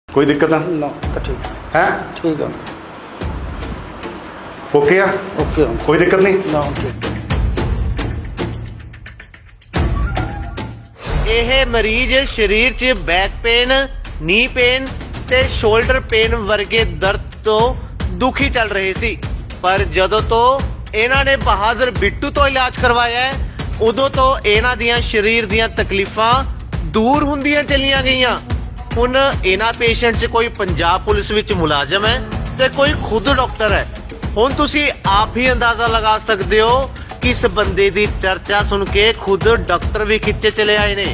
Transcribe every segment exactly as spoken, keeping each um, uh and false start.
कोई दिक्कत है ना तो ठीक है ठीक है ओके है ओके कोई दिक्कत नहीं ना ठीक ਇਹ ਮਰੀਜ਼ ਸਰੀਰ 'ਚ ਬੈਕ ਪੇਨ, ਨੀ ਪੇਨ ਤੇ ਸ਼ੋਲਡਰ ਪੇਨ ਵਰਗੇ ਦਰਦ ਤੋਂ ਦੁਖੀ ਚੱਲ ਰਹੇ ਸੀ। ਪਰ ਜਦੋਂ ਤੋਂ ਇਹਨਾਂ ਨੇ ਬਹਾਦਰ ਬਿੱਟੂ ਤੋਂ ਇਲਾਜ ਕਰਵਾਇਆ ਹੈ, ਉਦੋਂ ਤੋਂ ਇਹਨਾਂ ਦੀਆਂ ਸਰੀਰ ਦੀਆਂ ਤਕਲੀਫਾਂ ਦੂਰ ਹੁੰਦੀਆਂ ਚਲੀਆਂ ਗਈਆਂ। ਹੁਣ ਇਹਨਾਂ ਪੇਸ਼ੈਂਟ 'ਚ ਕੋਈ ਪੰਜਾਬ ਪੁਲਿਸ ਵਿੱਚ ਮੁਲਾਜ਼ਮ ਹੈ ਤੇ ਕੋਈ ਖੁਦ ਡਾਕਟਰ ਹੈ। ਹੁਣ ਤੁਸੀਂ ਆਪ ਹੀ ਅੰਦਾਜ਼ਾ ਲਗਾ ਸਕਦੇ ਹੋ कि इस बंदे दी चर्चा सुन के खुद डॉक्टर भी खिंचे चले आए ने।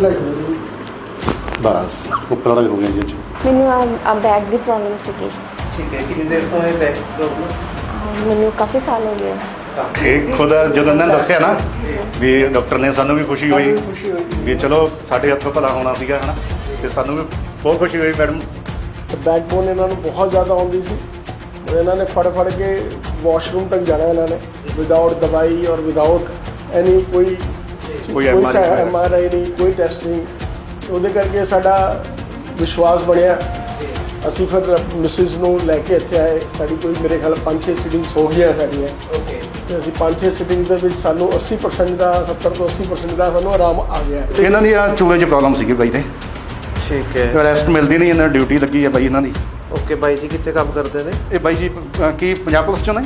बस ऊपर वाला हो गया जी ਮੈਨੂੰ ਆ ਬੈਕ ਦੀ ਪ੍ਰੋਬਲਮ ਸੀਗੀ। ठीक है कितनी देर तो है बैक प्रॉब्लम ਮੈਨੂੰ ਕਾਫੀ ਸਾਲ ਹੋ ਗਏ। ਇਹ ਖੁਦ ਜਦੋਂ ਇਹਨਾਂ ਨੇ ਦੱਸਿਆ ਨਾ ਵੀ ਡਾਕਟਰ ਨੇ, ਸਾਨੂੰ ਵੀ ਖੁਸ਼ੀ ਹੋਈ ਵੀ ਚਲੋ ਸਾਡੇ ਹੱਥੋਂ ਭਲਾ ਹੋਣਾ ਸੀਗਾ ਹਨਾ, ਤੇ ਸਾਨੂੰ ਵੀ ਬਹੁਤ ਖੁਸ਼ੀ ਹੋਈ ਮੈਡਮ। ਬੈਕਬੋਨ ਇਹਨਾਂ ਨੂੰ ਬਹੁਤ ਜ਼ਿਆਦਾ ਆਉਂਦੀ ਸੀ। ਇਹਨਾਂ ਨੇ ਫੜ ਫੜ ਕੇ ਵਾਸ਼ਰੂਮ ਤੱਕ ਜਾਣਾ ਇਹਨਾਂ ਨੇ ਵਿਦਆਊਟ ਦਵਾਈ ਔਰ ਵਿਦਆਊਟ ਐਨੀ ਕੋਈ ਕੋਈ ਕੋਈ ਐਮ ਆਰ ਆਈ ਨਹੀਂ, ਕੋਈ ਟੈਸਟ ਨਹੀਂ। ਉਹਦੇ ਕਰਕੇ ਸਾਡਾ ਵਿਸ਼ਵਾਸ ਬਣਿਆ। ਅਸੀਂ ਫਿਰ ਮਿਸਿਸ ਨੂੰ ਲੈ ਕੇ ਇੱਥੇ ਆਏ। ਸਾਡੀ ਕੋਈ ਮੇਰੇ ਖਿਆਲ ਪੰਜ ਛੇ ਸਿਟਿੰਗਸ ਹੋ ਗਈਆਂ ਸਾਡੀਆਂ। ਤੇ ਅਸੀਂ ਪੰਜ ਛੇ ਸਿਟਿੰਗਸ ਦੇ ਵਿੱਚ ਸਾਨੂੰ ਅੱਸੀ ਪਰਸੈਂਟ ਦਾ ਸੱਤਰ ਤੋਂ ਅੱਸੀ ਪਰਸੈਂਟ ਦਾ ਸਾਨੂੰ ਆਰਾਮ ਆ ਗਿਆ। ਇਹਨਾਂ ਦੀ ਆ ਚੂਲੇ 'ਚ ਪ੍ਰੋਬਲਮ ਸੀਗੀ ਬਾਈ ਤੇ, ठीक है ਰੈਸਟ ਮਿਲਦੀ ਨਹੀਂ, ਇਹਨਾਂ ਡਿਊਟੀ ਲੱਗੀ ਹੈ ਬਾਈ ਇਹਨਾਂ ਦੀ। ओके भाई जी कितने काम करते ने? ਇਹ ਬਾਈ ਜੀ ਅ, ਕੀ ਪੰਜਾਬ ਪੁਲਿਸ ਚੋਂ ਨੇ?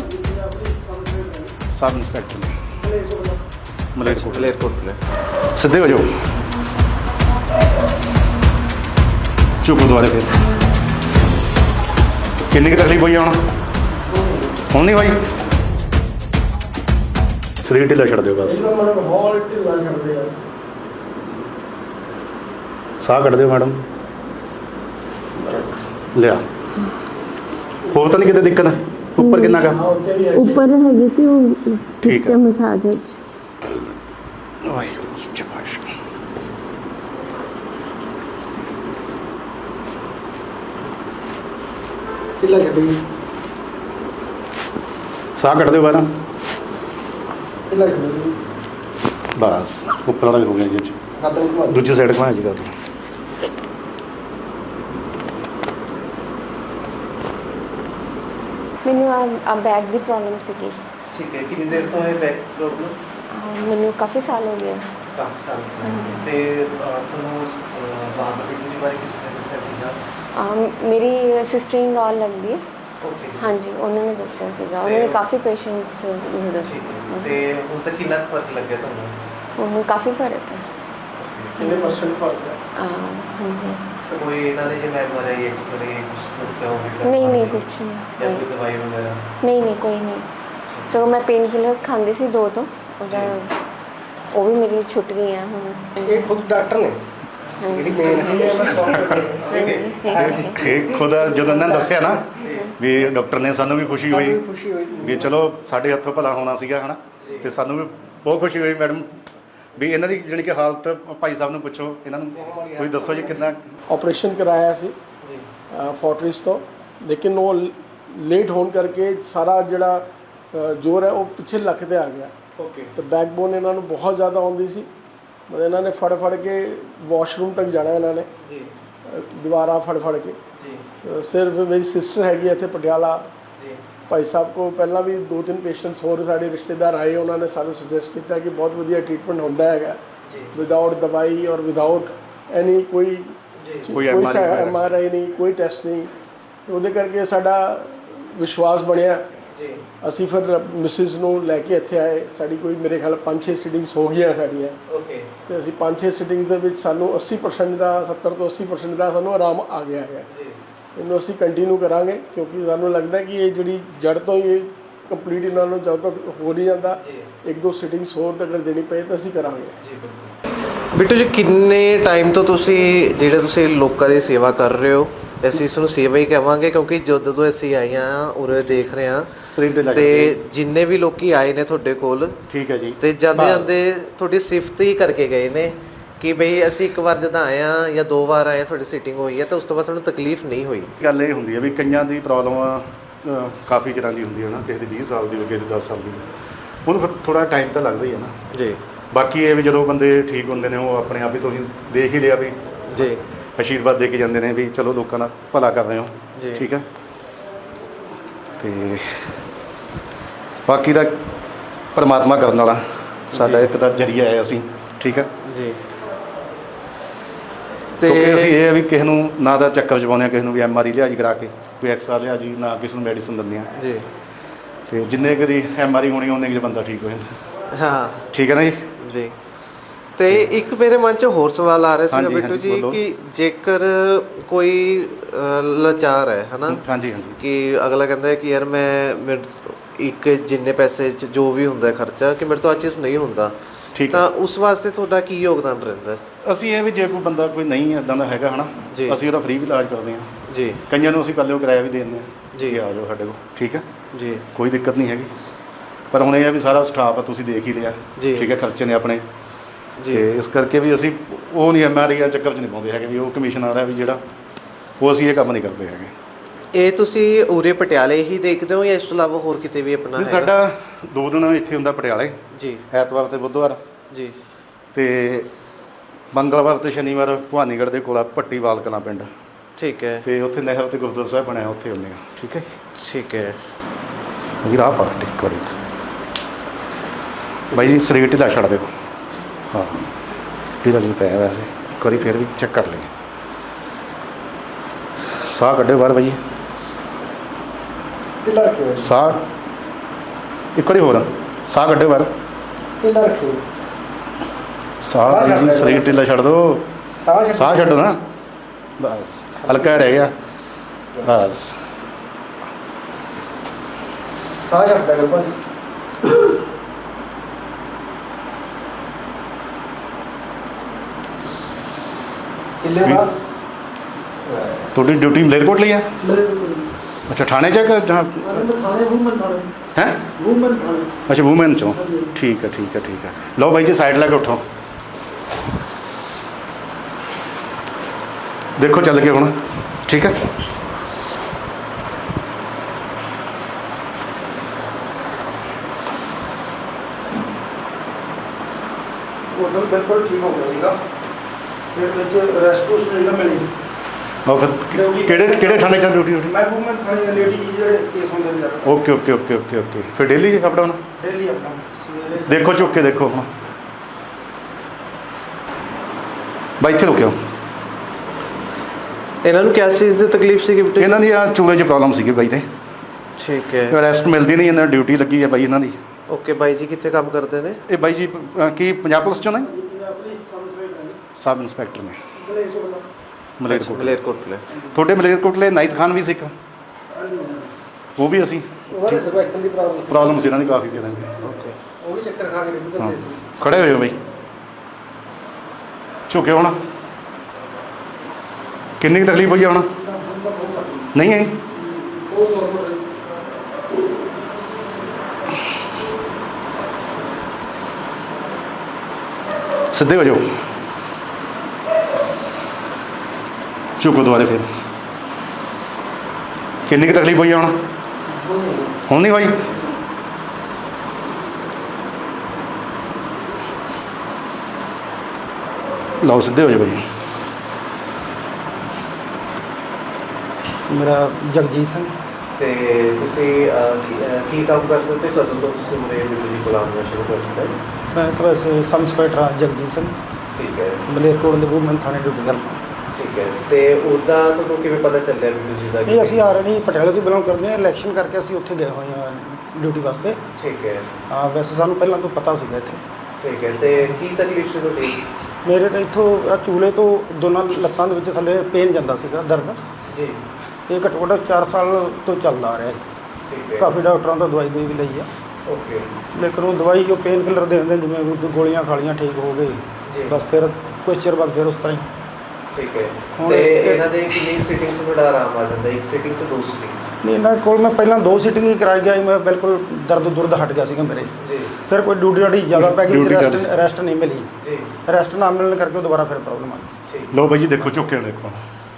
ਸਬ ਇੰਸਪੈਕਟਰ ਨੇ ਮਲੇਰਕੋਟ। मलेरकोटले। ਸਿੱਧੇ ਹੋ ਜਾਓ, ਚੁੱਪ ਦੁਆਰੇ ਫਿਰ। ਕਿੰਨੀ ਕੁ ਤਕਲੀਫ ਹੋਈ ਆ ਹੁਣ? ਹੁਣ ਨਹੀਂ ਹੋਈ? ਸਰੀਰ ਢਿੱਲਾ ਛੱਡ ਦਿਓ ਬਸ, ਮਾਹੌਲ ਢਿੱਲਾ ਕਰਦੇ ਆ। ਸਾਹ ਕੱਢ ਦਿਓ ਮੈਡਮ। ਲਿਆ, ਹੋਰ ਤਾਂ ਨਹੀਂ ਕਿਤੇ ਦਿੱਕਤ? ਉੱਪਰ ਕਿੰਨਾ ਕਾ? ਉੱਪਰ ਹੈਗੀ ਸੀ ਉਹ ਠੀਕ ਹੈ। ਮਸਾਜ ਵਿੱਚ। ਵਾਹਿਗੁਰੂ ਸ਼ਾਬਾਸ਼। ਢਿੱਲਾ ਛੱਡੀ ਸਾਹ ਕੱਢ ਦਿਓ ਬਾਹਰ। ਢਿੱਲਾ ਛੱਡੀ ਬਸ ਉੱਪਰ ਵਾਲਾ ਵੀ ਹੋ ਗਿਆ ਜੀ। ਖਤਮ ਕਰ ਦੂਜੀ ਸਾਈਡ ਘੁਮਾ ਜੀ ਕਰ ਦਿਓ। ਮੈਨੂੰ ਆ ਬੈਕ ਦੀ ਪ੍ਰੋਬਲਮ ਸੀਗੀ। ठीक है कितनी देर तो है बैक प्रॉब्लम ਮੈਨੂੰ ਕਾਫੀ ਸਾਲ ਹੋ ਗਏ। ਕਾਫੀ ਸਾਲ ਤੇ ਤੁਹਾਨੂੰ ਬਹਾਦਰ ਬਿੱਟੂ ਜੀ ਬਾਰੇ ਕਿਸ ਨੇ ਦੱਸਿਆ ਸੀਗਾ? ਅਹ ਮੇਰੀ ਸਿਸਟਰ ਇਨ ਲਾਅ ਲੱਗਦੀ ਹੈ। ਓਕੇ ਹਾਂਜੀ, ਉਹਨਾਂ ਨੇ ਦੱਸਿਆ ਸੀਗਾ। ਉਹਨਾਂ ਨੇ ਕਾਫੀ ਪੇਸ਼ੈਂਟਸ ਹੁੰਦੇ ਸੀ। ਠੀਕ ਹੈ ਤੇ ਹੁਣ ਤੱਕ ਕਿੰਨਾ ਕੁ ਫਰਕ ਲੱਗਿਆ ਤੁਹਾਨੂੰ? ਹੁਣ ਕਾਫੀ ਫਰਕ ਹੈ। ਕਿੰਨੇ ਪਰਸੈਂਟ ਫਰਕ ਹੈ? ਅਹ ਹਾਂਜੀ, ਕੋਈ ਇਹਨਾਂ ਦੇ ਜਿਵੇਂ ਐਮ ਆਰ ਆਈ ਐਕਸ-ਰੇ ਕੁਝ ਦੱਸਿਆ ਹੋਵੇ? ਨਹੀਂ ਨਹੀਂ ਕੁਛ ਨਹੀਂ। ਜਾਂ ਕੋਈ ਦਵਾਈ ਵਗੈਰਾ? ਨਹੀਂ ਨਹੀਂ ਕੋਈ ਨਹੀਂ। ਸਗੋਂ ਮੈਂ ਪੇਨ ਕਿਲਰਸ ਖਾਂਦੀ ਸੀ ਦੋ ਤੋਂ, ਉਹਦਾ ਉਹ ਵੀ ਮੇਰੀ ਛੁੱਟ ਗਈਆਂ ਹੁਣ। ਇਹ ਖੁਦ ਡਾਕਟਰ ਨੇ ਜਿਹੜੀ ਮੇਨ ਹੈ ਮੈਂ ਸੌਫਟ ਠੀਕ ਹੈ ਇਹ ਖੁਦ ਜਦੋਂ ਇਹਨਾਂ ਨੇ ਦੱਸਿਆ ਨਾ ਵੀ ਡਾਕਟਰ ਨੇ, ਸਾਨੂੰ ਵੀ ਖੁਸ਼ੀ ਹੋਈ ਖੁਸ਼ੀ ਹੋਈ ਵੀ ਚਲੋ ਸਾਡੇ ਹੱਥੋਂ ਭਲਾ ਹੋਣਾ ਸੀਗਾ ਹਨਾ, ਤੇ ਸਾਨੂੰ ਵੀ ਬਹੁਤ ਖੁਸ਼ੀ ਹੋਈ ਮੈਡਮ ਵੀ ਇਹਨਾਂ ਦੀ ਜਾਣੀ ਕਿ ਹਾਲਤ। ਭਾਈ ਸਾਹਿਬ ਨੂੰ ਪੁੱਛੋ, ਇਹਨਾਂ ਨੂੰ ਤੁਸੀਂ ਦੱਸੋ ਜੀ ਕਿੰਨਾ। ਆਪਰੇਸ਼ਨ ਕਰਾਇਆ ਸੀ ਜੀ ਫੋਰਟਿਸ ਤੋਂ, ਲੇਕਿਨ ਉਹ ਲੇਟ ਹੋਣ ਕਰਕੇ ਸਾਰਾ ਜਿਹੜਾ ਅ, ਜ਼ੋਰ ਹੈ ਉਹ ਪਿੱਛੇ ਲੱਕ ਤੇ ਆ ਗਿਆ। ਓਕੇ ਤੇ ਬੈਕਬੋਨ ਇਹਨਾਂ ਨੂੰ ਬਹੁਤ ਜ਼ਿਆਦਾ ਆਉਂਦੀ ਸੀ। ਮਤਲਬ ਇਹਨਾਂ ਨੇ ਫੜ ਫੜ ਕੇ ਵਾਸ਼ਰੂਮ ਤੱਕ ਜਾਣਾ ਇਹਨਾਂ ਨੇ ਜੀ ਅ, ਦੀਵਾਰਾਂ ਫੜ ਫੜ ਕੇ। ਜੀ ਤੇ ਸਿਰਫ ਮੇਰੀ ਸਿਸਟਰ ਹੈਗੀ ਇੱਥੇ ਪਟਿਆਲਾ, ਜੀ ਭਾਈ ਸਾਹਿਬ ਕੋ ਪਹਿਲਾਂ ਵੀ ਦੋ ਤਿੰਨ ਪੇਸ਼ੈਂਟਸ ਹੋਰ ਸਾਡੇ ਰਿਸ਼ਤੇਦਾਰ ਆਏ, ਉਹਨਾਂ ਨੇ ਸਾਨੂੰ ਸੁਜੈਸਟ ਕੀਤਾ ਕਿ ਬਹੁਤ ਵਧੀਆ ਟ੍ਰੀਟਮੈਂਟ ਹੁੰਦਾ ਹੈਗਾ ਜੀ ਵਿਦਆਊਟ ਦਵਾਈ ਔਰ ਵਿਦਆਊਟ ਐਨੀ ਕੋਈ ਜੀ ਕੋਈ ਕੋਈ M R I M R I ਨਹੀਂ, ਕੋਈ ਟੈਸਟ ਨਹੀਂ। ਤੇ ਉਹਦੇ ਕਰਕੇ ਸਾਡਾ ਵਿਸ਼ਵਾਸ ਬਣਿਆ। ਜੀ ਅਸੀਂ ਫਿਰ ਮਿਸਿਸ ਨੂੰ ਲੈ ਕੇ ਇੱਥੇ ਆਏ। ਸਾਡੀ ਕੋਈ ਮੇਰੇ ਖਿਆਲ ਪੰਜ ਛੇ ਸਿਟਿੰਗਸ ਹੋ ਗਈਆਂ ਸਾਡੀਆਂ। ਓਕੇ ਤੇ ਅਸੀਂ ਪੰਜ ਛੇ ਸਿਟਿੰਗਸ ਦੇ ਵਿੱਚ ਸਾਨੂੰ ਅੱਸੀ ਪਰਸੈਂਟ ਦਾ ਸੱਤਰ ਤੋਂ ਅੱਸੀ ਪਰਸੈਂਟ ਦਾ ਸਾਨੂੰ ਆਰਾਮ ਆ ਗਿਆ ਹੈ। ਜੀ ਇਹਨੂੰ ਅਸੀਂ ਕੰਟੀਨਿਊ ਕਰਾਂਗੇ ਕਿਉਂਕਿ ਸਾਨੂੰ ਲੱਗਦਾ ਕਿ ਇਹ ਜਿਹੜੀ ਜੜ ਤੋਂ ਹੀ ਕੰਪਲੀਟ ਇਹਨਾਂ ਨੂੰ ਜਦੋਂ ਤੱਕ ਹੋ ਨਹੀਂ ਜਾਂਦਾ, ਜੀ ਇੱਕ ਦੋ ਸਿਟਿੰਗਸ ਹੋਰ ਤੱਕ ਦੇਣੀ ਪਏ ਤਾਂ ਅਸੀਂ ਕਰਾਂਗੇ। ਜੀ ਬਿਲਕੁਲ। ਬਿੱਟੂ ਜੀ ਕਿੰਨੇ ਟਾਈਮ ਤੋਂ ਤੁਸੀਂ ਜਿਹੜੇ ਤੁਸੀਂ ਲੋਕਾਂ ਦੀ ਸੇਵਾ ਕਰ ਰਹੇ ਹੋ? ਅਸੀਂ ਇਸ ਨੂੰ ਸੇਵਾ ਹੀ ਕਹਾਂਗੇ ਕਿਉਂਕਿ ਜਦੋਂ ਤੋਂ ਅਸੀਂ ਆਏ ਹਾਂ ਉਰੇ ਦੇਖ ਰਹੇ ਹਾਂ ਸਰੀਰ ਢਿੱਲਾ ਛੱਡ ਤੇ ਦਿਓ। ਜਿੰਨੇ ਵੀ ਲੋਕੀ ਆਏ ਨੇ ਤੁਹਾਡੇ ਕੋਲ, ਠੀਕ ਹੈ ਜੀ। ਤੇ ਜਾਂਦੇ ਬਸ। ਜਾਂਦੇ ਤੁਹਾਡੀ ਸਿਫਤ ਹੀ ਕਰਕੇ ਗਏ ਨੇ ਕਿ ਬਈ ਅਸੀਂ ਇੱਕ ਵਾਰ ਜਦੋਂ ਆਏ ਹਾਂ ਜਾਂ ਦੋ ਵਾਰ ਆਏ ਤੁਹਾਡੀ ਸੀਟਿੰਗ ਹੋਈ ਹੈ ਤਾਂ ਉਸ ਤੋਂ ਬਾਅਦ ਸਾਨੂੰ ਤਕਲੀਫ ਨਹੀਂ ਹੋਈ। ਗੱਲ ਇਹ ਹੁੰਦੀ ਹੈ ਵੀ ਕਈਆਂ ਦੀ ਪ੍ਰੋਬਲਮ ਕਾਫੀ ਤਰ੍ਹਾਂ ਦੀ ਹੁੰਦੀ ਹੈ ਨਾ, ਕਿਸੇ ਦੀ ਵੀਹ ਸਾਲ ਦੀ, ਕਿਸੇ ਦੀ ਦਸ ਸਾਲ ਦੀ। ਉਹਨੂੰ ਫਿਰ ਥੋੜ੍ਹਾ ਟਾਈਮ ਤਾਂ ਲੱਗਦਾ ਹੀ ਹੈ ਨਾ। ਜੀ ਬਾਕੀ ਇਹ ਵੀ ਜਦੋਂ ਬੰਦੇ ਠੀਕ ਹੁੰਦੇ ਨੇ ਉਹ ਆਪਣੇ ਆਪ ਹੀ ਤੁਸੀਂ ਦੇਖ ਹੀ ਲਿਆ ਵੀ ਜੀ ਆਸ਼ੀਰਵਾਦ ਦੇ ਕੇ ਜਾਂਦੇ ਨੇ ਵੀ ਚਲੋ ਲੋਕਾਂ ਦਾ ਭਲਾ ਕਰ ਰਹੇ ਹੋ ਜੀ। ਠੀਕ ਹੈ। ਤੇ ਬਾਕੀ ਦਾ ਪਰਮਾਤਮਾ ਕਰਨ ਵਾਲਾ ਸਾਡਾ ਇੱਕ ਤਾਂ ਜਰੀਆ ਹੈ ਅਸੀਂ ਠੀਕ ਹੈ। ਜੀ ਕਿਉਂਕਿ ਅਸੀਂ ਤੇ ਇਹ ਹੈ ਵੀ ਕਿਸੇ ਨੂੰ ਨਾ ਦਾ ਚੱਕਰ 'ਚ ਪਾਉਂਦੇ ਹਾਂ, ਕਿਸੇ ਨੂੰ ਵੀ ਐਮ ਆਰ ਆਈ ਲਿਹਾਜ਼ ਕਰਾ ਕੇ ਕੋਈ ਐਕਸਰਾ ਲਿਹਾਜ਼ ਨਾ ਕਿਸੇ ਨੂੰ ਮੈਡੀਸਨ ਦਿੰਦੇ ਹਾਂ। ਜੀ ਤੇ ਜਿੰਨੇ ਕੁ ਦੀ ਐਮ ਆਰ ਆਈ ਹੋਣੀ ਉਹਨੇ ਕੁ 'ਚ ਬੰਦਾ ਠੀਕ ਹੋ ਜਾਂਦਾ। ਹਾਂ ਠੀਕ ਹੈ ਨਾ ਜੀ। ਜੀ। ਤੇ ਇੱਕ ਮੇਰੇ ਮਨ 'ਚ ਹੋਰ ਸਵਾਲ ਆ ਰਿਹਾ ਸੀ ਹਾਂਜੀ, ਬਿੱਟੂ ਹਾਂਜੀ, ਜੀ ਬੋਲੋ। ਕਿ ਜੇਕਰ ਕੋਈ ਅ, ਲਾਚਾਰ ਹੈ ਹਨਾ ਹਾਂਜੀ ਹਾਂਜੀ ਕਿ ਅਗਲਾ ਕਹਿੰਦਾ ਹੈ ਕਿ ਯਾਰ ਮੈਂ ਮੇਰੇ ਇੱਕ ਜਿੰਨੇ ਪੈਸੇ 'ਚ ਜੋ ਵੀ ਹੁੰਦਾ ਹੈ ਖਰਚਾ ਕਿ ਮੇਰੇ ਤੋਂ ਆ ਚੀਜ਼ ਨਹੀਂ ਹੁੰਦਾ, ਠੀਕ ਤਾਂ ਹੈ। ਉਸ ਵਾਸਤੇ ਤੁਹਾਡਾ ਕੀ ਯੋਗਦਾਨ ਰਹਿੰਦਾ ਹੈ? ਅਸੀਂ ਇਹ ਵੀ ਜੇ ਕੋਈ ਬੰਦਾ ਕੋਈ ਨਹੀਂ ਇੱਦਾਂ ਦਾ ਹੈਗਾ ਹਨਾ ਜੀ। ਅਸੀਂ ਉਹਦਾ ਫ੍ਰੀ ਵੀ ਇਲਾਜ ਕਰਦੇ ਹਾਂ। ਜੀ ਕਈਆਂ ਨੂੰ ਅਸੀਂ ਪਹਿਲੇ ਉਹ ਕਿਰਾਇਆ ਵੀ ਦੇ ਦਿੰਦੇ ਹਾਂ ਜੀ। ਕਿ ਆ ਜਾਓ ਸਾਡੇ ਕੋਲ ਠੀਕ ਹੈ, ਜੀ ਕੋਈ ਦਿੱਕਤ ਨਹੀਂ ਹੈਗੀ। ਪਰ ਹੁਣ ਇਹ ਆ ਵੀ ਸਾਰਾ ਸਟਾਫ ਆ ਤੁਸੀਂ ਦੇਖ ਹੀ ਲਿਆ ਜੀ। ਠੀਕ ਹੈ, ਖਰਚੇ ਨੇ ਆਪਣੇ। ਜੀ ਤੇ ਇਸ ਕਰਕੇ ਵੀ ਅਸੀਂ ਉਹ ਨਹੀਂ ਐਮ ਆਰ ਆਈ ਚੱਕਰ 'ਚ ਨਹੀਂ ਪਾਉਂਦੇ ਹੈਗੇ ਵੀ ਉਹ ਕਮਿਸ਼ਨ ਆ ਰਿਹਾ ਵੀ ਜਿਹੜਾ ਉਹ ਅਸੀਂ ਇਹ ਕੰਮ ਨਹੀਂ ਕਰਦੇ ਹੈਗੇ। ਇਹ ਤੁਸੀਂ ਉਰੇ ਪਟਿਆਲੇ ਹੀ ਦੇਖਦੇ ਹੋ ਜਾਂ ਇਸ ਤੋਂ ਇਲਾਵਾ ਹੋਰ ਕਿਤੇ ਵੀ ਆਪਣਾ ਜੀ ਹੈਗਾ? ਸਾਡਾ ਦੋ ਦਿਨ ਇੱਥੇ ਹੁੰਦਾ ਪਟਿਆਲੇ, ਜੀ ਐਤਵਾਰ ਤੇ ਬੁੱਧਵਾਰ, ਜੀ ਤੇ ਮੰਗਲਵਾਰ ਤੇ ਸ਼ਨੀਵਾਰ ਭਵਾਨੀਗੜ੍ਹ ਦੇ ਕੋਲ ਆ ਪੱਟੀਵਾਲ ਕਲਾਂ ਪਿੰਡ, ਠੀਕ ਹੈ ਤੇ ਉੱਥੇ ਨਹਿਰ ਤੇ ਗੁਰਦੁਆਰਾ ਸਾਹਿਬ ਬਣਿਆ ਉੱਥੇ ਹੁੰਦੇ ਆ। ਠੀਕ ਹੈ ਠੀਕ ਹੈ ਵੀਰ ਆਹ ਪਾਰਟੀ ਕਰੀ ਬਾਈ ਜੀ ਸਰੀਰ ਢਿੱਲਾ ਛੱਡ ਦਿਓ। ਹਾਂ ਢਿੱਲਾ ਨਹੀਂ ਪਿਆ ਵੈਸੇ, ਇੱਕ ਵਾਰੀ ਫਿਰ ਵੀ ਚੈੱਕ ਕਰ ਲਈ। ਸਾਹ ਕੱਢਿਓ ਬਾਹਰ ਬਾਈ, ਢਿੱਲਾ ਰੱਖਿਓ ਸਾਹ ਇੱਕ ਵਾਰੀ ਹੋਰ ਸਾਹ ਕੱਢਿਓ ਬਾਹਰ। ਢਿੱਲਾ ਰੱਖਿਓ ਸਾਹ ਬਾਈ ਜੀ ਸਰੀਰ ਢਿੱਲਾ ਛੱਡ ਦਿਓ, ਸਾਹ ਸਾਹ ਛੱਡੋ ਨਾ ਬਸ, ਹਲਕਾ ਰਹਿ ਗਿਆ ਬਸ। ਸਾਹ ਛੱਡਦਾ ਕਰ ਭਾਜੀ। ਹਿੱਲੇ ਬਾਹਰ ਤੁਹਾਡੀ ਡਿਊਟੀ ਮਲੇਰਕੋਟਲੀ ਹੈ? ਅੱਛਾ ਥਾਣੇ 'ਚ ਹੈ ਕਿ ਜਹਾਂ ਥਾਣੇ ਵੂਮਨ ਥਾਣੇ ਹੈ? ਵੂਮਨ ਥਾਣੇ ਅੱਛਾ ਵੂਮੈਨ 'ਚੋਂ ਠੀਕ ਹੈ ਠੀਕ ਹੈ ਠੀਕ ਹੈ। ਲਓ ਬਾਈ ਜੀ ਸਾਈਡ ਲੈ ਕੇ ਉਠੋ, ਦੇਖੋ ਚੱਲ ਕੇ ਹੁਣ ਠੀਕ ਹੈ। ਉਦੋਂ ਬਿਲਕੁਲ ਠੀਕ ਹੋ ਗਿਆ ਸੀਗਾ, ਫਿਰ ਵਿੱਚ ਰੈਸਟ ਨਹੀਂ ਮਿਲੀ। ਉਹ ਫਿਰ ਕਿਹੜੇ ਕਿਹੜੇ ਥਾਣੇ 'ਚ ਡਿਊਟੀ ਹੋਣੀ? ਮੈਂ ਵੂਮਨ ਥਾਣੇ ਲੇਡੀ ਜਿਹੜੇ ਕੇਸ ਹੁੰਦੇ ਨੇ ਜ਼ਿਆਦਾ okay okay okay okay okay ਫਿਰ ਡੇਲੀ ਅਪ ਡਾਊਨ ਡੇਲੀ ਆਪਣਾ ਸਵੇਰੇ ਦੇਖੋ ਚੁੱਕ ਕੇ ਦੇਖੋ ਹੁਣ ਬਾਈ ਇੱਥੇ ਰੁਕਿਓ। ਇਹਨਾਂ ਨੂੰ ਕਿਸ ਚੀਜ਼ ਦੀ ਤਕਲੀਫ ਸੀ ਬਿੱਟੂ? ਇਹਨਾਂ ਦੀ ਆ ਚੂਲੇ 'ਚ ਪ੍ਰੋਬਲਮ ਸੀਗੀ ਬਾਈ ਤੇ, ਠੀਕ ਹੈ ਰੈਸਟ ਮਿਲਦੀ ਨਹੀਂ, ਇਹਨਾਂ ਡਿਊਟੀ ਲੱਗੀ ਹੈ ਬਾਈ ਇਹਨਾਂ ਦੀ। ਓਕੇ ਬਾਈ ਜੀ ਕਿੱਥੇ ਕੰਮ ਕਰਦੇ ਨੇ? ਇਹ ਬਾਈ ਜੀ ਅ, ਕੀ ਪੰਜਾਬ ਪੁਲਿਸ 'ਚੋਂ ਨੇ? ਆਪਣੀ ਸਮਝ ਸਬ ਇੰਸਪੈਕਟਰ ਨੇ ਮਲੇਰਕੋਟਲਾ। ਮਲੇਰਕੋਟਲੇ। ਤੁਹਾਡੇ ਮਲੇਰਕੋਟਲੇ ਨਾਈਤ ਖਾਨ ਵੀ ਸਿੱਖ, ਉਹ ਵੀ ਅਸੀਂ ਉਹਦੇ ਸਰਵਾਈਕਲ ਦੀ ਪ੍ਰੋਬਲਮ ਸੀ, ਪ੍ਰੋਬਲਮ ਸੀ ਇਹਨਾਂ ਦੀ ਕਾਫੀ ਜ਼ਿਆਦਾ। ਓਕੇ ਉਹ ਵੀ ਚੱਕਰ ਖਾ ਕੇ ਡਿੱਗ ਹਾਂ ਪਏ ਸੀ। ਖੜੇ ਹੋਏ ਹੋ ਬਾਈ, ਝੁਕੇ ਹੁਣ ਕਿੰਨੀ ਕੁ ਤਕਲੀਫ ਹੋਈ ਆ ਹੁਣ? ਨਹੀਂ ਹੈ ਉਹ ਨੋਰਮਲ ਸਿੱਧੇ ਹੋ ਜਾਓ, ਝੁਕੋ ਦੁਬਾਰੇ ਫਿਰ। ਕਿੰਨੀ ਕੁ ਤਕਲੀਫ ਹੋਈ ਆ ਹੁਣ? ਹੁਣ ਨਹੀਂ ਹੋਈ? ਲਓ ਸਿੱਧੇ ਹੋ ਜਾਓ ਭਾਈ। ਮੇਰਾ ਜਗਜੀਤ ਸਿੰਘ। ਤੇ ਤੁਸੀਂ ਅਹ, ਕੀ- ਅਹ, ਕੀ ਕੰਮ ਕਰਦੇ ਹੋ ਤੇ ਕਦੋਂ ਤੋਂ ਤੁਸੀਂ ਮੇਰੇ ਬਿੱਟੂ ਜੀ ਕੋਲ ਆਉਣਾ ਸ਼ੁਰੂ ਕਰ ਦਿੱਤਾ? ਮੈਂ ਇੱਕ ਵੈਸੇ ਸਬ ਇੰਸਪੈਕਟਰ ਹਾਂ ਜਗਜੀਤ ਸਿੰਘ, ਠੀਕ ਹੈ ਮਲੇਰਕੋਟ ਦੇ ਵੂਮਨ ਥਾਣੇ ਡਿਊਟੀ ਕਰਦਾ। ਠੀਕ ਹੈ। ਤੇ ਉਹਦਾ ਤੁਹਾਨੂੰ ਕਿਵੇਂ ਪਤਾ ਚੱਲਿਆ ਬਿੱਟੂ ਜੀ ਦਾ? ਇਹ ਅਸੀਂ ਆ ਰਹੇ ਨਹੀਂ ਪਟਿਆਲੇ ਤੋਂ ਬਿਲੋਂਗ ਕਰਦੇ ਹਾਂ, ਇਲੈਕਸ਼ਨ ਕਰਕੇ ਅਸੀਂ ਉੱਥੇ ਗਏ ਹੋਏ ਹਾਂ ਡਿਊਟੀ ਵਾਸਤੇ। ਠੀਕ ਹੈ ਹਾਂ ਵੈਸੇ ਸਾਨੂੰ ਪਹਿਲਾਂ ਤੋਂ ਪਤਾ ਸੀਗਾ ਇੱਥੇ। ਠੀਕ ਹੈ। ਤੇ ਕੀ ਤਕਲੀਫ ਸੀ ਤੁਹਾਡੀ? ਮੇਰੇ ਤਾਂ ਇੱਥੋਂ ਆਹ ਚੂਲੇ ਤੋਂ ਦੋਨਾਂ ਲੱਤਾਂ ਦੇ ਵਿੱਚ ਥੱਲੇ ਪੇਨ ਜਾਂਦਾ ਸੀਗਾ, ਦਰਦ। ਜੀ ਇਹ ਘੱਟੋ ਘੱਟ ਚਾਰ ਸਾਲ ਤੋਂ ਚੱਲਦਾ ਆ ਰਿਹਾ ਹੈ। ਠੀਕ ਹੈ। ਕਾਫੀ ਡਾਕਟਰਾਂ ਤੋਂ ਦਵਾਈ ਦੂਈ ਵੀ ਲਈ ਆ, ਓਕੇ ਲੇਕਿਨ ਉਹ ਦਵਾਈ ਜੋ ਪੇਨ ਕਿਲਰ ਦੇ ਦਿੰਦੇ ਜਿਵੇਂ ਉਹ ਗੋਲੀਆਂ ਖਾਲੀਆਂ ਠੀਕ ਹੋ ਗਏ, ਜੀ ਬਸ ਫਿਰ ਕੁਛ ਚਿਰ ਬਾਅਦ ਫਿਰ ਉਸ ਤਰ੍ਹਾਂ ਹੀ। ਠੀਕ ਹੈ। ਹੁਣ ਤੇ ਇਹ- ਇਹਨਾਂ ਦੇ ਕਿੰਨੀ ਸਿਟਿੰਗ 'ਚ ਤੁਹਾਡਾ ਆਰਾਮ ਆ ਜਾਂਦਾ? ਇੱਕ ਸਿਟਿੰਗ 'ਚ ਦੋ ਸਿਟਿੰਗ 'ਚ? ਨਹੀਂ ਇਹਨਾਂ ਕੋਲ ਮੈਂ ਪਹਿਲਾਂ ਦੋ ਸੀਟਿੰਗ ਹੀ ਕਰਾਈ ਗਿਆ ਸੀ, ਮੈਂ ਬਿਲਕੁਲ ਦਰਦ ਦੁਰਦ ਹਟ ਗਿਆ ਸੀਗਾ ਮੇਰੇ। ਜੀ ਫਿਰ ਕੋਈ ਡਿਊਟੀ ਡਾਟੀ ਜ਼ਿਆਦਾ ਪੈ ਗਈ, Duty ਰੈਸਟ ਜ਼ਿਆਦਾ। ਰੈਸਟ ਨਹੀਂ ਮਿਲੀ। ਜੀ ਰੈਸਟ ਨਾ ਮਿਲਣ ਕਰਕੇ ਉਹ ਦੁਬਾਰਾ ਫਿਰ ਪ੍ਰੋਬਲਮ ਆ ਗਈ। ਠੀਕ ਲਓ ਬਾਈ ਜੀ ਦੇਖੋ ਝੁੱਕੇ ਦੇਖੋ,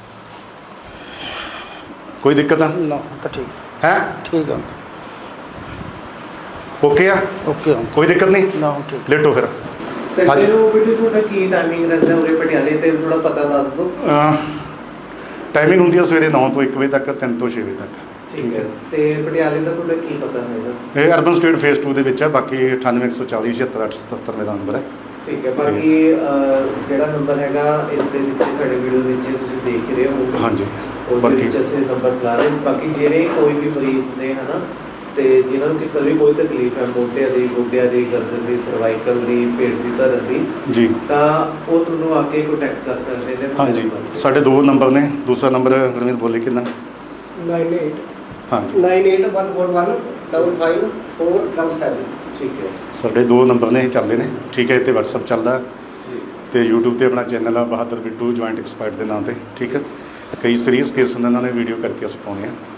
ਕੋਈ ਦਿੱਕਤ ਆ ਨਾ ਤਾਂ ਠੀਕ ਹੈ? ਠੀਕ ਆ, ਓਕੇ ਆ? ਓਕੇ ਹੁਣ ਕੋਈ ਦਿੱਕਤ ਨਹੀਂ? ਨਾ ਹੁਣ ਠੀਕ। ਲੇਟੋ ਫਿਰ। ਸੰਡੇ ਨੂੰ ਬਿਲਕੁਲ ਤੁਹਾਡਾ ਕੀ ਟਾਈਮਿੰਗ ਰਹਿੰਦਾ ਉਰੇ ਪਟਿਆਲੇ ਤੇ ਥੋੜਾ ਪਤਾ ਦੱਸ ਦਿਓ। ਟਾਈਮਿੰਗ ਹੁੰਦੀ ਹੈ ਸਵੇਰੇ ਨੌ ਤੋਂ ਇੱਕ ਵਜੇ ਤੱਕ, ਤਿੰਨ ਤੋਂ ਛੇ ਵਜੇ ਤੱਕ। ਠੀਕ ਹੈ, ਤੇ ਪਟਿਆਲੇ ਦਾ ਤੁਹਾਡਾ ਕੀ ਪਤਾ ਹੈਗਾ? ਇਹ ਅਰਬਨ ਸਟੇਟ ਫੇਸ ਟੂ ਦੇ ਵਿੱਚ ਹੈ। ਬਾਕੀ ਅਠਾਨਵੇਂ ਇੱਕ ਸੌ ਚਾਲੀ ਛਿਹੱਤਰ ਅੱਠ ਸੌ ਸਤੱਤਰ ਮੇਰਾ ਨੰਬਰ ਹੈ। ਠੀਕ ਹੈ, ਬਾਕੀ ਅਹ, ਜਿਹੜਾ ਨੰਬਰ ਹੈਗਾ ਇਸ ਦੇ ਵਿੱਚ ਸਾਡੇ ਵੀਡੀਓ ਵਿੱਚ ਤੁਸੀਂ ਦੇਖ ਹੀ ਰਹੇ ਹੋ। ਹਾਂਜੀ, ਉਸ ਦੇ ਵਿੱਚ ਅਸੀਂ ਨੰਬਰ ਚਲਾ ਰਹੇ ਹਾਂ। ਬਾਕੀ ਜਿਹੜੇ ਕੋਈ ਵੀ ਮਰੀਜ਼ ਨੇ ਹਨਾ ਤੇ ਜਿਨ੍ਹਾਂ ਨੂੰ ਕਿਸ ਤਰ੍ਹਾਂ ਦੀ ਕੋਈ ਤਕਲੀਫ ਹੈ, ਮੋਢਿਆਂ ਦੀ, ਗੋਡਿਆਂ ਦੀ, ਗਰਦਨ ਦੀ, ਸਰਵਾਈਕਲ ਦੀ, ਪੇਟ ਦੀ ਧਰਨ ਦੀ, ਜੀ, ਤਾਂ ਉਹ ਤੁਹਾਨੂੰ ਆ ਕੇ ਕੰਟੈਕਟ ਕਰ ਸਕਦੇ ਨੇ। ਹਾਂਜੀ, ਸਾਡੇ ਦੋ ਨੰਬਰ ਨੇ। ਦੂਸਰਾ ਨੰਬਰ ਗੁਰਮੀਤ ਬੋਲੇ ਕਿੰਨਾ? ਨਾਈਨ ਏਟ ਹਾਂਜੀ, nine eight one four one double five four double seven. ਠੀਕ ਹੈ, ਸਾਡੇ ਦੋ ਨੰਬਰ ਨੇ, ਇਹ ਚੱਲਦੇ ਨੇ। ਠੀਕ ਹੈ, ਇੱਥੇ WhatsApp ਚੱਲਦਾ ਤੇ YouTube ਤੇ ਆਪਣਾ ਚੈਨਲ ਆ ਬਹਾਦਰ ਬਿੱਟੂ ਜੁਆਇੰਟ ਐਕਸਪਰਟ ਦੇ ਨਾਂ ਤੇ। ਠੀਕ ਹੈ, ਕਈ ਸੀਰੀਅਸ ਕੇਸ ਹੁੰਦੇ ਇਹਨਾਂ ਨੇ ਵੀਡੀਓ ਕਰਕੇ ਅਸੀਂ ਪਾਉਂਦੇ ਹਾਂ।